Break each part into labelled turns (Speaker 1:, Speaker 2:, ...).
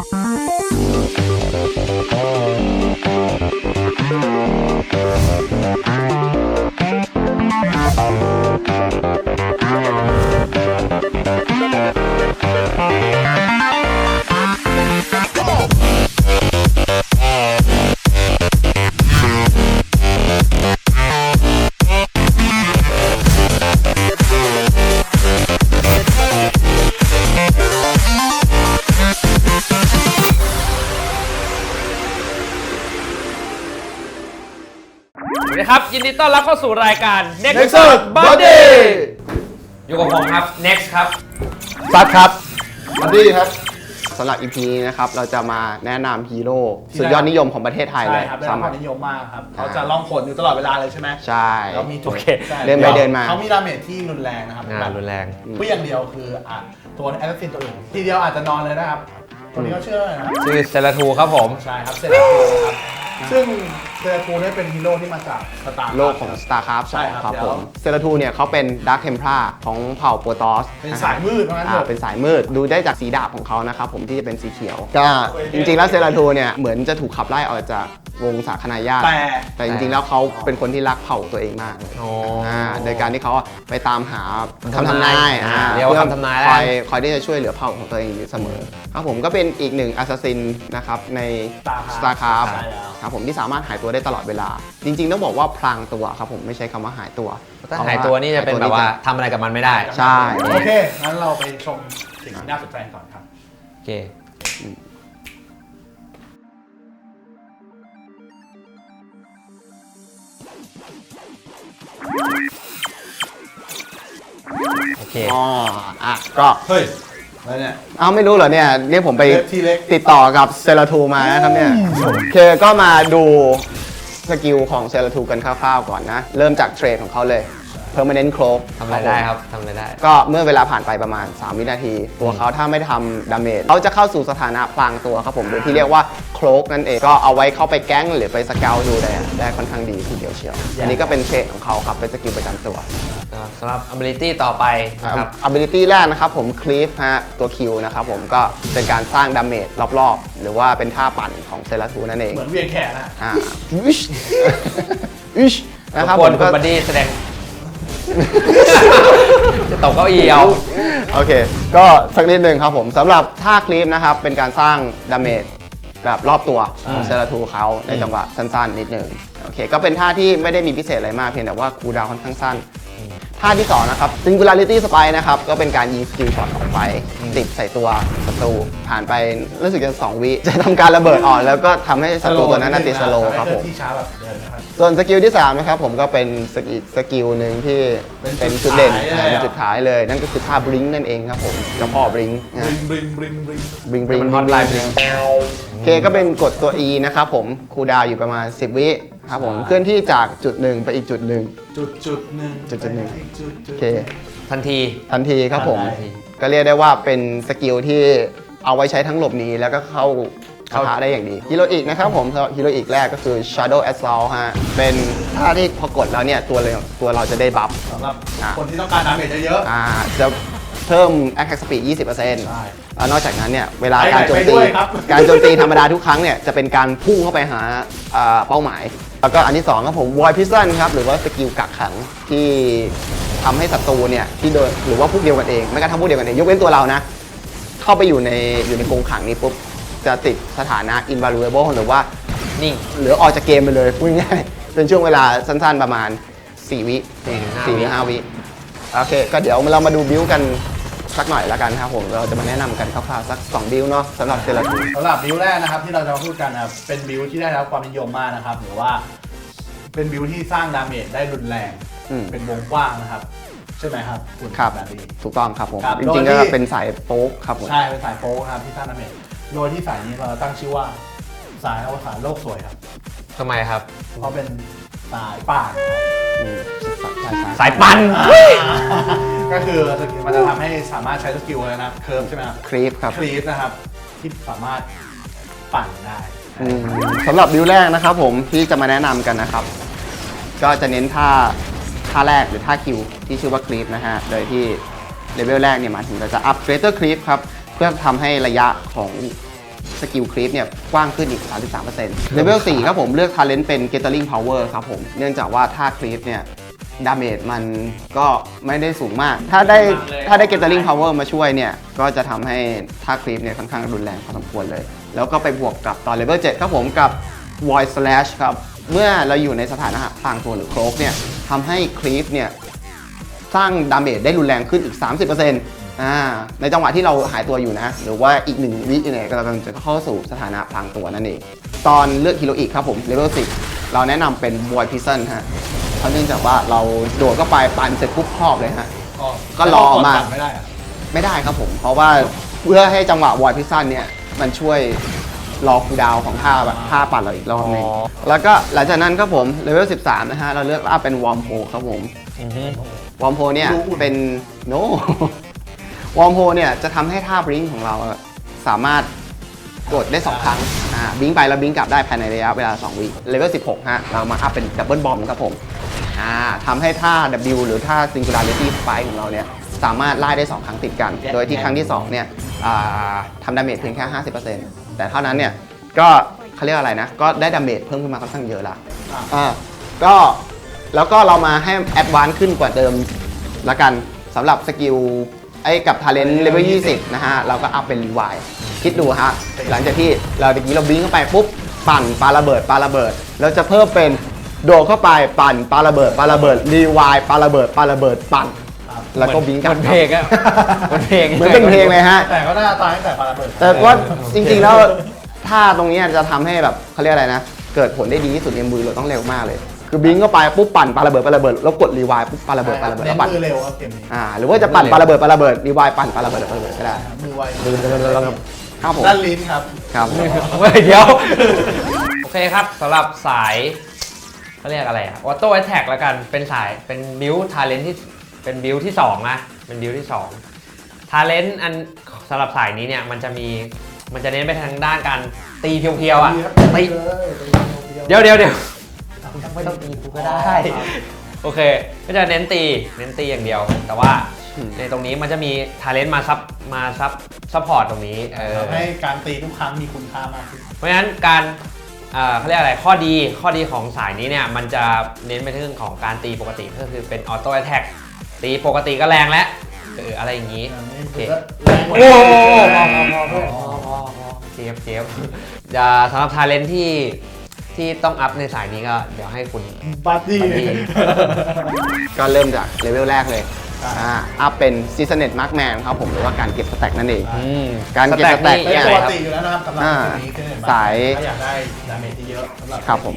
Speaker 1: ครับยินดีต้อนรับเข้าสู่รายการ
Speaker 2: Nexus Body
Speaker 1: อยู่กับผมครับ Next ครับ
Speaker 2: ซัดครับ
Speaker 3: บัดดี้ครับสำหรับ EP นี้นะครับเราจะมาแนะนำฮีโร่สุดยอดนิยมของประเทศไทยเลย
Speaker 2: ใช่ครับได้รับความนิยมมากครับเขาจะล่องผลอยู่ตลอดเวลาเลยใช่ไหม
Speaker 3: ใช่
Speaker 2: แล้วมีจุด
Speaker 1: โอเค
Speaker 3: เดินไปเดินมา
Speaker 2: เขามีดาเมจที่รุนแรงนะครับแบบ
Speaker 1: รุนแรง
Speaker 2: ผู้อย่างเดียวคือตัวแอสซินตัวอื่นทีเดียวอาจจะนอนเลยนะครับตัวนี้ก็เชื่อนะครับ
Speaker 1: ชื่อเซราทูครับผม
Speaker 2: ใช่ครับเซราทูครับซึ่งเซราทูเนี่ยเป็นฮีโร่ที่มาจากสตาร์
Speaker 3: โลกของ StarCraft
Speaker 2: ใช่ครับ
Speaker 3: ครับ
Speaker 2: เดี๋
Speaker 3: ผ
Speaker 2: ยว
Speaker 3: มเซราทูเนี่ยเขาเป็นดาร์คเทมพลาของเผ่าโปรตอส
Speaker 2: เป็นสายมืดเพราะงั้นเถอะ
Speaker 3: เป็นสายมืดดูได้จากสีดาบของเขานะครับผมที่จะเป็นสีเขียวก็จริงๆแล้วเซราทูเนี่ยเหมือนจะถูกขับไล่ออกจากวงสาคนาญาติแต่จริงๆแล้วเขาเป็นคนที่รักเผ่าตัวเองมากเลยโดยการที่เขาไปตามหาคำทำนาย
Speaker 1: เรียกว่าคำทำนายแล้ว
Speaker 3: คอยที่จะช่วยเหลือเผ่าของตัวเองอยู่เสมอครับผมก็เป็นอีกหนึ่งแอสซัสซินนะครับใน StarCraft ครับผมที่สามารถหายตัวได้ตลอดเวลา จริงๆต้องบอกว่าพลางตัวครับผมไม่ใช้คำว่าหายตัว
Speaker 1: ถ้าหายตัวนี่จะเป็นแบบว่าทำอะไรกับมันไม่ได้
Speaker 3: ใช่
Speaker 2: โอเคงั้นเราไปชมสิ่งที่น่าสนใจก่อนครับ
Speaker 1: โอเคโอเค
Speaker 3: ก็
Speaker 2: เฮ้ยแล้วเนี่ย
Speaker 3: เอาไม่รู้เหรอเนี่ยผมไป
Speaker 2: ทีเล็ก
Speaker 3: ติดต่อกับเซราทูมานะครับเนี่ยคือก็มาดูสกิลของเซราทูกันคร่าวๆก่อนนะ เริ่มจากเทรดของเขาเลย Permanent Cloak
Speaker 1: ทำอะไรได้ครับทำอะไรได้
Speaker 3: ก็เมื่อเวลาผ่านไปประมาณ 3 วินาที ตัวเขาถ้าไม่ทำดาเมจเขาจะเข้าสู่สถานะพลางตัวครับผมโดยที่เรียกว่าโคลกนั่นเองก็เอาไว้เข้าไปแก๊งหรือไปสเกลดูได้ค่อนข้างดีทีเดียวเชียวอันนี้ก็เป็นเทรดของเขาครับเป็นสกิลประจำตัว
Speaker 1: สำหรับ ability ต่อไปนะครับ
Speaker 3: ability แรกนะครับผม Cleave ฮะตัว Q นะครับผมก็เป็นการสร้างดาเมจรอบๆ หรือว่าเป็นท่าปั่นของเซราทูนั่นเอง
Speaker 2: เหมือนเวียนแขนนะ
Speaker 3: วิชวิชนะครับ
Speaker 1: ค
Speaker 3: ผ
Speaker 1: น
Speaker 3: ม
Speaker 1: คุ
Speaker 3: ก็
Speaker 1: ณบัดดี้แสดง จะตกเก้าอี้เอา
Speaker 3: โอเค ก็สักนิดหนึ่งครับผมสำหรับท่าคลิปนะครับเป็นการสร้างดาเมจแบบรอบตัวของเซราทูเขาในจังหวะสั้นๆนิดหนึ่งโอเคก็เป็นท่าที่ไม่ได้มีพิเศษอะไรมากเพียงแต่ว่าคูลดาวน์ค่อนข้างสั้นท่าที่2นะครับ Singularity Spike นะครับก็เป็นการยิงสกิลช็อตออกไปติดใส่ตัวศัตรูผ่านไปรู้สึกจะ2 วิจะทำการระเบิดออกแล้วก็ทำให้ศัตรูตัวนั้นติดสโลว์ครับผม
Speaker 2: ที่ช้าแบบเดินนะครับ
Speaker 3: ส่วนสกิลที่3นะครับผมก็เป็นสกิลหนึ่งที่เป็นจุดเด่น
Speaker 2: เป็นจุดขายเลย
Speaker 3: เป็นจุดขายเลย นั่นก็คือท่าบลิงนั่นเองครับผมเจ้าพ่อบลิง
Speaker 2: บริงบริงบริง
Speaker 3: บลิงบลิง
Speaker 1: มัน hotline bling
Speaker 3: โอเคก็เป็นกดตัว E นะครับผมคูลดาวน์อยู่ประมาณ10 วิครับผมเคลื่อนที่จากจุดหนึ่งไปอีกจุดหนึ่ง
Speaker 2: จุดหนึ่ง
Speaker 3: จุดหนึ่ง โอเค
Speaker 1: ทันที
Speaker 3: ทันทีครับผม
Speaker 2: ทันที
Speaker 3: ก็เรียกได้ว่าเป็นสกิลที่เอาไว้ใช้ทั้งหลบหนีแล้วก็เข้าปะทะได้อย่างดีฮีโร่อีกนะครับผมฮีโร่อีกแรกก็คือ Shadow Assault ฮะเป็นท่าที่พอกดแล้วเนี่ยตัวเราจะได้บัฟ
Speaker 2: สำหรับคนที่ต้องการดาเมจเยอะ
Speaker 3: จะเพิ่ม attack speed 20%
Speaker 2: ใช่
Speaker 3: แล้วนอกจากนั้นเนี่ยเวลา
Speaker 2: ไป
Speaker 3: การโจม
Speaker 2: ไป
Speaker 3: ตี
Speaker 2: ด้วยครับ
Speaker 3: การโจมตีธรรมดาทุกครั้งเนี่ยจะเป็นการพุ่งเข้าไปหาเป้าหมาย แล้วก็อันที่2ครับผม Void Prison ครับหรือว่าสกิลกักขังที่ทำให้ศัตรูเนี่ยที่โดนหรือว่าพวกเดียวกันเองไม่กระทั่งพวกเดียวกันเองยกเว้นตัวเรานะเข้าไปอยู่ในกรงขังนี้ปุ๊บจะติดสถานะ invaluable หรือว่า
Speaker 1: นิ่ง
Speaker 3: หรือออกจากเกมไปเลยพูดง่ายๆเป็นช่วงเวลาสั้นๆประมาณ4 วิ
Speaker 1: 4-5
Speaker 3: 4 หรือ 5 วิโอเคก็เดี๋ยวเรามาดูบิวกันสักหน่อยแล้วกันครับผมเราจะมาแนะนำกันคร่าวๆสัก2บิวเนาะสำหรับเซราทู
Speaker 2: ๆสำหรับบิวแรกนะครับที่เราจะมาพูดกันนะครับเป็นบิวที่ได้รับความนิยมมากนะครับหรือว่าเป็นบิวที่สร้างดาเมจได้รุนแรงเป็นวงกว้างนะครับใช่ไหมครับคุณ
Speaker 3: ครับ
Speaker 2: แบรี่
Speaker 3: ถูกต้องครับผม
Speaker 2: ครับ
Speaker 3: จริงๆ
Speaker 2: โด
Speaker 3: ก็
Speaker 2: ยที่
Speaker 3: เป็นสายโป๊กครับผม
Speaker 2: ใช่เป็นสายโป๊นะครับที่สร้างดาเมจโดยที่สายนี้เราตั้งชื่อว่าสายอวสานโลกสวยครับ
Speaker 1: ทำไมครับ
Speaker 2: เพราะเป็นสายป่านครับ
Speaker 3: อืม
Speaker 1: สายปั่น
Speaker 2: ก็คือสกิลมันจะทำให้สามารถใช้สกิลเลยนะเคิร์ฟใช่ไหมครับ
Speaker 3: ครีปครับ
Speaker 2: คลีฟนะครับที่สามารถปั่นได้
Speaker 3: สำหรับบิวแรกนะครับผมที่จะมาแนะนำกันนะครับ ก็จะเน้นท่าแรกหรือท่าคิวที่ชื่อว่าครีปนะฮะโดยที่เลเวลแรกเนี่ยหมายถึงเราจะอัพเกรเตอร์ครีปครับเพื่อทำให้ระยะของสกิลคลิปเนี่ยกว้างขึ้นอีก 33%เลเวล 4 ครับผมเลือก Talent เป็น Gathering Power ครับผมเนื่องจากว่าถ้าคลิปเนี่ยดาเมจมันก็ไม่ได้สูงมาก ถ้าได้ Gathering Power มาช่วยเนี่ยก็จะทำให้ท่าคลิปเนี่ยค่อนข้างรุนแรงพอสมควรเลย แล้วก็ไปบวกกับตอนเลเวล 7 ครับผมกับ Void Slash ครับเมื่อเราอยู่ในสถานะพลางตัวหรือโครกเนี่ยทำให้คลิปเนี่ยสร้างดาเมจได้รุนแรงขึ้นอีก 30%ในจังหวะที่เราหายตัวอยู่นะหรือว่าอีก1วิเนี่ยกำลังจะเข้าสู่สถานะพลางตัวนั่นเองตอนเลือกฮีโรอีกครับผมเลเวล 10 เราแนะนำเป็น Void Prison ฮะเพราะเนื่องจากว่าเราโดดเข้าไปปั่นเสร็จปุ๊บครอบเลยฮะก็รอมาไม่ได้ครับผมเพราะว่าเพื่อให้จังหวะ Void Prison เนี่ยมันช่วยรอคูลดาวน์ของท่าปั่นเราอีกรอบนึงแล้วก็หลังจากนั้นครับผมเลเวล 13 นะฮะเราเลือกอัพเป็น Warm Hole ครับผมWarm Hole เนี่ยเป็น noวอร์มโฮเนี่ยจะทำให้ท่าบลิงของเราสามารถกดได้ 2 ครั้งบลิงไปแล้วบลิงกลับได้ภายในระยะเวลา 2 วิเลเวล 16 ฮะเรามาอัพเป็นดับเบิลบอมครับผมทำให้ท่า W หรือท่า Singularity Spike ของเราเนี่ยสามารถไล่ได้ 2 ครั้งติดกัน โดยที่ครั้งที่ 2 เนี่ยทำดาเมจเพียงแค่ 50% แต่เท่านั้นเนี่ยก็เขาเรียกอะไรนะก็ได้ดาเมจเพิ่มขึ้นมาค่อนข้างเยอะละก็แล้วก็เรามาให้แอดวานซ์ขึ้นกว่าเดิมละกันสำหรับสกิลกับทาเลนต์เลเวล 20 นะฮะเราก็อัพเป็นรีไวล์คิดดูฮะหลังจากที่เราตะกี้เราบิงเข้าไปปุ๊บปั่นปาระเบิดเราจะเพิ่มเป็นโดดเข้าไปปั่นปาระเบิดรีไวล์ปาระเบิดปั่นแล้วก็บิงกลับ
Speaker 1: มันเพลงอะมันเพลง
Speaker 3: เหมือนเป็นเพลงเลยฮะ
Speaker 2: แต่ก็น่าตายตั้งแต่ปาระเบิด
Speaker 3: แต่ว่าจริงๆแล้วท่าตรงนี้จะทำให้แบบเขาเรียกอะไรนะเกิดผลได้ดีที่สุดในมือเราต้องเร็วมากเลยคือบิงเข้าไปปุ๊บปั่นปาระเบิดแล้วกดรีไวล์ปุ๊บปาระเบิดแล้วปั่น
Speaker 2: มือเร็วครับเกมนี้
Speaker 3: หรือว่าจะปั่นปาระเบิดรีไวล์ปั่นปาระเบิดก็ได้
Speaker 2: มือไว
Speaker 3: ครับผม
Speaker 2: ด้านลิ้นครับ
Speaker 3: ครับ
Speaker 1: เดี๋ยวโอเคครับสำหรับสายเขาเรียกอะไรอะออโต้แอทแทกแล้วกันเป็นสายเป็นบิวทาเลนที่เป็นบิวที่2นะเป็นบิวที่2ทาเลนอันสำหรับสายนี้เนี่ยมันจะเน้นไปทางด้านการตีเพียวๆอ่ะตีเดี๋ยวไม่ต้องตีกูก็ได้โอเคก็จะเน้นตีอย่างเดียวแต่ว่าในตรงนี้มันจะมีทาเลนต์มาซัพพอร์ตตรงนี้
Speaker 2: ทำให้การตีทุกครั้งมีคุณค่ามากขึ้น
Speaker 1: เพราะฉะนั้นการเขาเรียกอะไรข้อดีของสายนี้เนี่ยมันจะเน้นไปเรื่องของการตีปกติก็คือเป็นออโต้แอทแทกตีปกติก็แรงแล้วอะไรอย่างนี้โอ้เจี๊ยบสำหรับทาเลนต์ที่ต้องอัพในสายนี้ก็เดี๋ยวให้คุณ
Speaker 2: บัดดี้
Speaker 3: ก็เริ่มจากเลเวลแรกเลยอัพเป็น Seasoned Markman ครับผมหรือว่าการเก็บสแต็กนั่นเองการเก็บสแต็ก
Speaker 2: เนี่ยปกติอยู่แล้วนะครับสำหรับนี้
Speaker 3: สาย
Speaker 2: ถ้าอยากได้ดาเมจที่เยอะสำหรับ
Speaker 3: ครับผม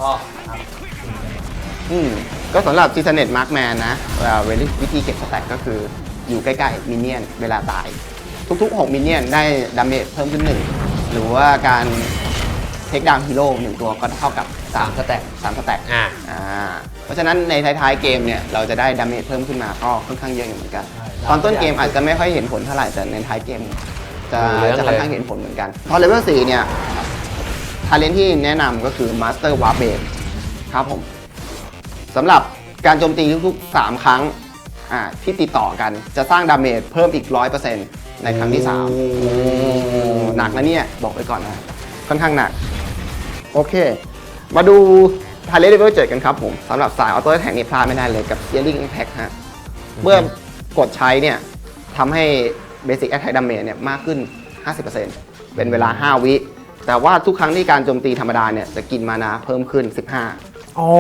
Speaker 3: ก็สำหรับ Seasoned Markman นะวิธีเก็บสแต็กก็คืออยู่ใกล้ๆมินเนี่ยนเวลาตายทุกๆ6มินเนี่ยนได้ดาเมจเพิ่มขึ้น1หรือว่าการเทคดาวน์ฮีโร่1ตัวก็เท่ากับ3สแต็กเพราะฉะนั้นในท้ายๆเกมเนี่ยเราจะได้ดาเมจเพิ่มขึ้นมาก็ค่อนข้างเยอะอยู่เหมือนกันตอนต้นเกมอาจจะไม่ค่อยเห็นผลเท่าไหร่แต่ในท้ายเกมจะค่อนข้างเห็นผลเหมือนกันพอเลเวล 4 เนี่ยทาเลนที่แนะนำก็คือ Master Warp Blade ครับผมสำหรับการโจมตีทุกๆ3ครั้งที่ติดต่อกันจะสร้างดาเมจเพิ่มอีก 100% ในครั้งที่3หนักนะเนี่ยบอกไว้ก่อนนะค่อนข้างหนักโอเคมาดูทาเลนเลเวล 7 กันครับผมสำหรับสายออโต้แท็กนี่พลาดไม่ได้เลยกับ Searing Impact ฮะเมื่อกดใช้เนี่ยทำให้ Basic Attack Damage เนี่ยมากขึ้น 50% เป็นเวลา 5 วิแต่ว่าทุกครั้งที่การโจมตีธรรมดาเนี่ยจะกินมานาเพิ่มขึ้น 15
Speaker 1: อ๋อ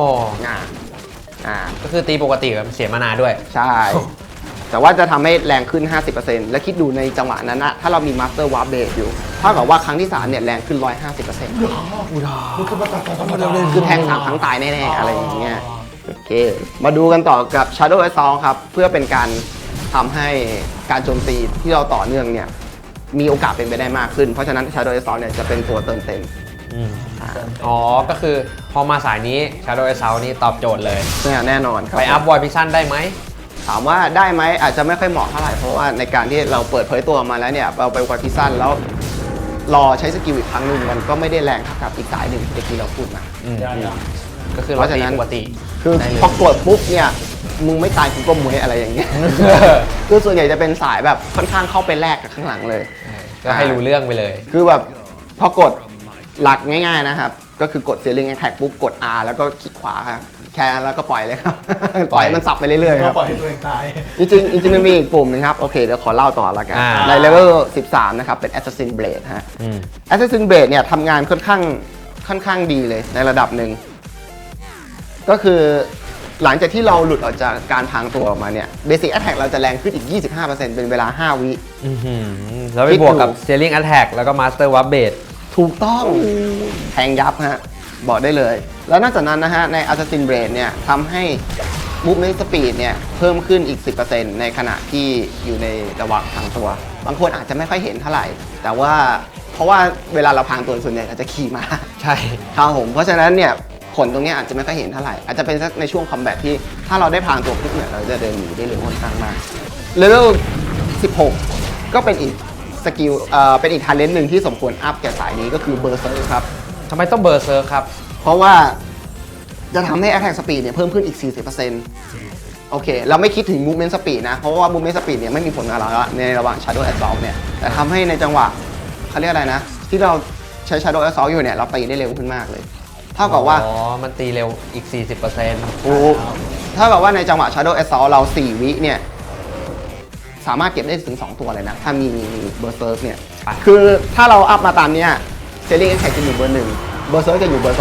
Speaker 1: ก็คือตีปกติแบบเสียมานาด้วย
Speaker 3: ใช่แต่ว่าจะทำให้แรงขึ้น 50% และคิดดูในจังหวะนั้นนะถ้าเรามี Master Warp Blade อยู่เท่ากับว่าครั้งที่3เนี่ยแรงขึ้น 150% คือแทง3ครั้งตายแน่ๆอะไรอย่างเงี้ยโอเคมาดูกันต่อกับ Shadow Assault ครับเพื่อเป็นการทำให้การโจมตีที่เราต่อเนื่องเนี่ยมีโอกาสเป็นไปได้มากขึ้นเพราะฉะนั้น Shadow Assault เนี่ยจะเป็นตัวเติมเต็ม
Speaker 1: ก็คือพอมาสายนี้ Shadow Assault นี่ตอบโจทย์เลย
Speaker 3: แน่นอนครับ
Speaker 1: ไปอัพ Void Prison ได้ไหม
Speaker 3: ถามว่าได้ไหมอาจจะไม่ค่อยเหมาะเท่าไหร่เพราะว่าในการที่เราเปิดเผยตัวมาแล้วเนี่ยเราไปVoid Prisonแล้วรอใช้สกิลอีกครั้งหนึ่งมันก็ไม่ได้แรงเท่ากับอีกสายหนึ่งที่เราพูดมา
Speaker 1: ก็คือเพราะฉะนั้นปกติ
Speaker 3: คือพอกดปุ๊บเนี่ยมึงไม่ตายกูก็มวยอะไรอย่างเงี้ยคือส่วนใหญ่จะเป็นสายแบบค่อนข้างเข้าไปแลกกับข้างหลังเลย
Speaker 1: ก็ให้รู้เรื่องไปเลย
Speaker 3: คือแบบพอกดหลักง่ายๆนะครับ ก็คือกด Steering Attack ปุ๊บกด R แล้วก็คลิกขวาครับแค่นั้นแล้วก็ปล่อยเลยครับ ปล่อยมันสับไปเรื่อยๆค
Speaker 2: ก็
Speaker 3: รับ
Speaker 2: ปล่อยให้ตัวเองตาย
Speaker 3: จริงๆมันมีอีกปุ่มหนึงครับ โอเค เดี๋ยวขอเล่าต่อละกัน ในเลเวล 13 นะครับ เป็น Assassin Blade ฮะ Assassin Blade เนี่ยทำงานค่อนข้างดีเลยในระดับหนึ่ง ก็คือหลังจากที่เราหลุดออกจากการพรางตัวออกมาเนี่ย Basic Attack เราจะแรงขึ้นอีก 25% เป็นเวลา 5 วิ
Speaker 1: แล้วไปบวกกับ Steering Attack แล้วก็ Master Warp Blade
Speaker 3: ถูกต้องแทงยับฮะ บอกได้เลย แล้วนอกจากนั้นนะฮะ ใน Assassin Blade เนี่ยทำให้ Movement Speed เนี่ยเพิ่มขึ้นอีก 10% ในขณะที่อยู่ในระหว่างพรางตัว บางคนอาจจะไม่ค่อยเห็นเท่าไหร่ แต่ว่าเพราะว่าเวลาเราพรางตัวส่วนใหญ่เราจะขี่ม้า
Speaker 1: ใช่
Speaker 3: ครับผม เพราะฉะนั้นเนี่ยผลตรงนี้อาจจะไม่ค่อยเห็นเท่าไหร่ อาจจะเป็นสักในช่วงคอมแบทที่ถ้าเราได้พรางตัวปุ๊บเนี่ยเราจะเดินหนีได้เร็วค่อนข้างมากเลเวล 16 ก็เป็นอีกสกิลเป็นอีกทาเลนต์หนึ่งที่สมควรอัพแก่สายนี้ก็คือเบอร์เซอร์ครับ
Speaker 1: ทำไมต้องเบอร์เซอร์ครับ
Speaker 3: เพราะว่าจะทำให้ Attack Speed เนี่ยเพิ่มขึ้นอีก 40%โอเค เราไม่คิดถึง Movement Speed นะ เพราะว่า Movement Speed เนี่ยไม่มีผลกับเราแล้วในระหว่าง Shadow Assault เนี่ย แต่ทำให้ในจังหวะเขาเรียกอะไรนะ ที่เราใช้ Shadow Assault อยู่เนี่ย เราตีได้เร็วขึ้นมากเลย เท่ากับว่า
Speaker 1: อ๋อ มันตีเร็วอีก 40%
Speaker 3: ถูกเท่ากับว่าในจังหวะ Shadow Assault เรา 4 วิเนี่ย สามารถเก็บได้ถึง 2 ตัวเลยนะ ถ้ามี Berserk เนี่ย คือถ้าเราอัพมาตามเนี้ย Steering Attack จะอยู่เบอร์ 1 Berserk จะอยู่เบอร์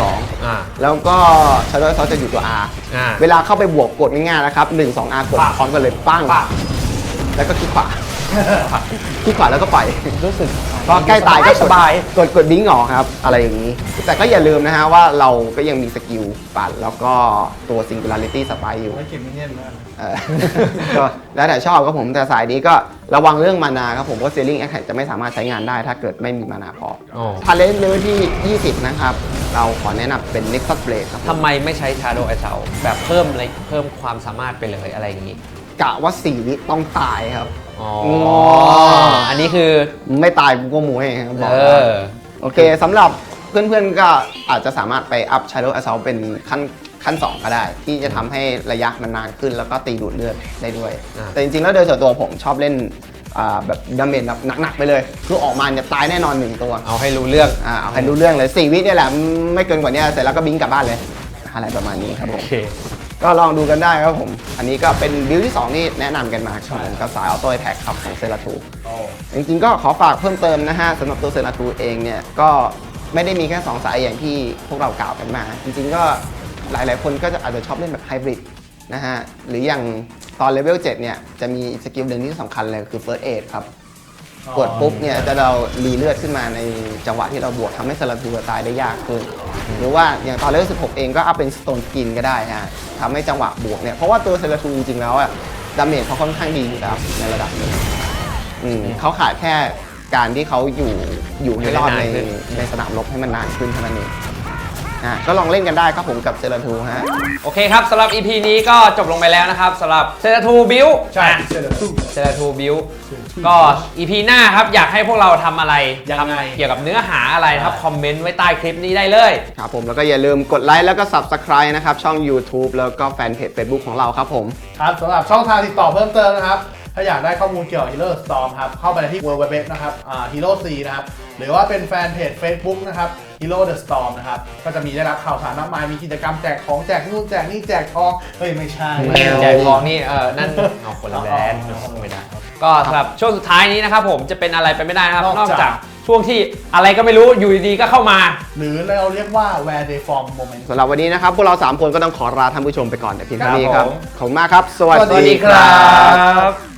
Speaker 3: 2 แล้วก็ Shadow Assault จะอยู่ตัว R เวลาเข้าไปบวกกดง่ายๆนะครับ 1 2 R กดพร้อมกันเลยปั้ง แล้วก็คลิกขวา คลิกขวาแล้วก็ปล่อย
Speaker 1: รู้สึก
Speaker 3: ก็ใกล้ตายก็
Speaker 1: สบาย
Speaker 3: กดบิงออกครับ อะไรอย่างนี้ แต่ก็อย่าลืมนะฮะว่าเราก็ยังมีสกิลปัดแล้วก็ตัว Singularity Spike อยู่
Speaker 2: ไม่เก็บมินเนี่ยนมาก
Speaker 3: ก็แล้วแต่ชอบครับผมแต่สายนี้ก็ระวังเรื่องมานาครับผมเพราะ Steering Attack จะไม่สามารถใช้งานได้ถ้าเกิดไม่มีมานาพอ
Speaker 1: อ๋อ
Speaker 3: ทาเลนต์เลเวลที่ 20 นะครับ เราขอแนะนำเป็น Nexus Blade ครับผม
Speaker 1: ทำไมไม่ใช้ Shadow Assault แบบเพิ่มอะไรเพิ่มความสามารถไปเลยอะไรอย่างนี้
Speaker 3: กะว่า 4 วิต้องตายครับ
Speaker 1: อ๋อ อันนี้คือ
Speaker 3: ไม่ตายกูก็มวยครับบอก
Speaker 1: เอ
Speaker 3: แล้ว
Speaker 1: อ
Speaker 3: โอเคสำหรับเพื่อนๆก็อาจจะสามารถไปอัพ Shadow Assault เป็นขั้น 2 ก็ได้ ที่จะทำให้ระยะมันนานขึ้นแล้วก็ตีดูดเลือดได้ด้วย แต่จริงๆแล้วโดยส่วนตัวผมชอบเล่นแบบดาเมจแบบหนักๆไปเลย คือออกมาเนี่ยตายแน่นอน 1 ตัว
Speaker 1: เอาให้รู้เรื่อง
Speaker 3: เอาให้รู้เรื่องเลย 4 วิเนี่ยแหละไม่เกินกว่านี้เสร็จแล้วก็บิงกลับบ้านเลย อะไรประมาณนี้ครับผ
Speaker 1: โอ
Speaker 3: ม
Speaker 1: เค
Speaker 3: ก็ลองดูกันได้ครับผม อันนี้ก็เป็นบิลที่ 2 ที่แนะนำกันมาครับผมกับสายออโต้แท็กครับของเซราทู จริงๆก็ขอฝากเพิ่มเติมนะฮะสำหรับตัวเซราทูเองเนี่ยก็ไม่ได้มีแค่ 2 สายอย่างที่พวกเรากล่าวกันมา จริงๆก็หลายๆคนก็จะอาจจะชอบเล่นแบบไฮบริดนะฮะหรืออย่างตอนเลเวล 7 เนี่ยจะมีสกิลหนึ่งที่สำคัญเลยคือ First Aid ครับ กดปุ๊บเนี่ยจะเรารีเลือดขึ้นมาในจังหวะที่เราบวกทำให้เซราทูตายได้ยากขึ้น หรือว่าอย่างตอนเลเวล 16 เองก็อัพเป็น Stone Skin ก็ได้ฮะทำให้จังหวะบวกเนี่ยเพราะว่าตัวเซราทูจริงๆแล้วอะดาเมจเขาค่อนข้างดีอยู่แล้วในระดับหนึงเขาขาดแค่การที่เขาอยู่ให้รอดในสนามรบให้มันนานขึ้นเท่านั้นเองก็ลองเล่นกันได้ครับผมกับเซราทูฮะ
Speaker 1: โอเคครับสำหรับ EP นี้ก็จบลงไปแล้วนะครับสำหรับเซราทูบิว
Speaker 2: ใช่เซราทู
Speaker 1: เซราทูบิวก็ EP หน้าครับอยากให้พวกเราทำอะไร
Speaker 2: ยังไง
Speaker 1: เกี่ยวกับเนื้อหาอะไรนะครับคอมเมนต์ไว้ใต้คลิปนี้ได้เลย
Speaker 3: ครับผมแล้วก็อย่าลืมกดไลค์แล้วก็ Subscribe นะครับช่อง YouTube แล้วก็แฟนเพจ Facebook ของเราครับผม
Speaker 2: ครับสำหรับช่องทางติดต่อเพิ่มเติมนะครับ ถ้าอยากได้ข้อมูลเกี่ยวกับ Hero Storm ครับ เข้าไปที่ www นะครับ Hero C นะครับ หรือว่าเป็นแฟนเพจ Facebook นะครับ Hero the Storm นะครับ ก็จะมีได้รับข่าวสารมากมาย มีกิจกรรมแจกของแจกนู่นแจกนี่แจกทอง เฮ้ย ไม่ใช่
Speaker 1: แจกทองนี่นั่นเอาคนละแบรนด์ไม่ได้ก็สำหรับช่วงสุดท้ายนี้นะครับผมจะเป็นอะไรไปไม่ได้นะครับนอกจากช่วงที่อะไรก็ไม่รู้อยู่ดีๆก็เข้ามา
Speaker 2: หรือเราเรียกว่า where they form moment
Speaker 3: สำหรับวันนี้นะครับ พวกเรา 3 คนก็ต้องขอลาท่านผู้ชมไปก่อนแต่เพียงเท่านี้ครับ
Speaker 2: ครับผม
Speaker 3: ขอบคุณมากครับ สวัส
Speaker 2: สวัส
Speaker 3: ดี
Speaker 2: ดี
Speaker 3: ค
Speaker 2: ครั
Speaker 3: รับ
Speaker 1: บ